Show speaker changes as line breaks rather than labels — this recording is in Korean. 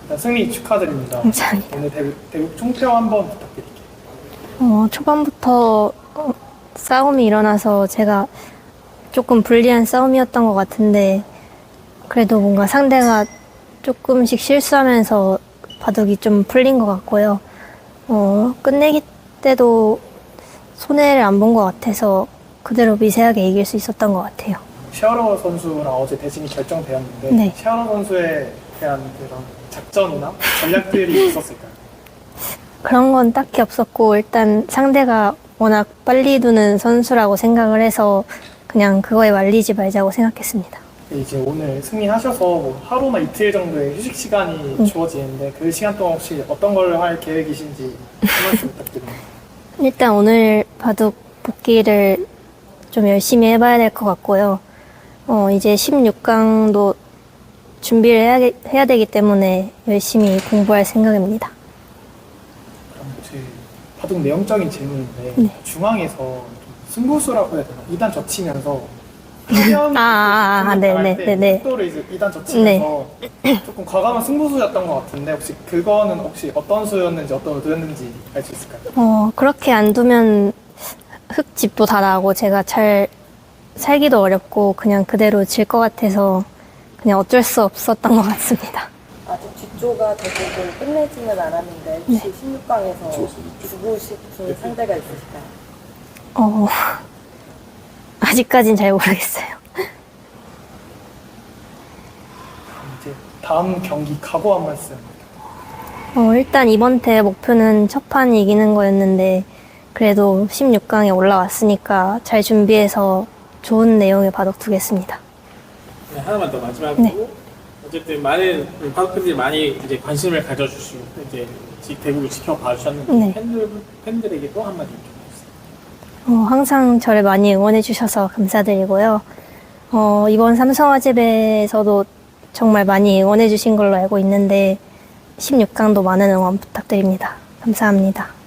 일단 승리 축하드립니다.
감사합니다.
오늘 대국 총평 한번 부탁드릴게요.
초반부터 싸움이 일어나서 제가 조금 불리한 싸움이었던 것 같은데 그래도 뭔가 상대가 조금씩 실수하면서 바둑이 좀 풀린 것 같고요. 끝내기 때도 손해를 안 본 것 같아서 그대로 미세하게 이길 수 있었던 것 같아요.
샤오러 선수랑 어제 대진이 결정되었는데
네.
샤오러 선수에 대한 그런 작전이나 전략들이 있었을까요?
그런 건 딱히 없었고 일단 상대가 워낙 빨리 두는 선수라고 생각을 해서 그냥 그거에 말리지 말자고 생각했습니다.
이제 오늘 승리하셔서 뭐 하루나 이틀 정도의 휴식 시간이 주어지는데 그 시간 동안 혹시 어떤 걸 할 계획이신지 한 말씀 부탁드립니다.
일단 오늘 바둑 복귀를 좀 열심히 해봐야 될 것 같고요. 이제 16강도 준비를 해야 되기 때문에 열심히 공부할 생각입니다.
그럼 혹시 바둑 내용적인 질문인데
네.
중앙에서 좀 승부수라고 해야 되나? 2단 젖히면서 화면
네네네네.
속도를 이제 2단 젖히면서 조금 과감한 승부수였던 것 같은데 혹시 그거는 혹시 어떤 수였는지 어떤 의도였는지 알 수 있을까요?
그렇게 안 두면 흙집도 다 나고 제가 잘 살기도 어렵고 그냥 그대로 질 것 같아서 그냥 어쩔 수 없었던 것 같습니다.
아직 뒷조가 대부분 끝내지는 않았는데 혹시 16강에서 주고 싶은 상대가 있으실까요?
아직까진 잘 모르겠어요.
이제 다음 경기 각오 한 말씀.
일단 이번 대 목표는 첫 판 이기는 거였는데 그래도 16강에 올라왔으니까 잘 준비해서 좋은 내용의 바둑 두겠습니다.
네, 하나만 더 마지막으로 어쨌든 많은 파크팬들이 많이 이제 관심을 가져주시고 이제 대국을 지켜봐 주셨는데
네.
팬들에게 또 한마디 해주세요.
항상 저를 많이 응원해 주셔서 감사드리고요. 이번 삼성화재배에서도 정말 많이 응원해 주신 걸로 알고 있는데 16강도 많은 응원 부탁드립니다. 감사합니다.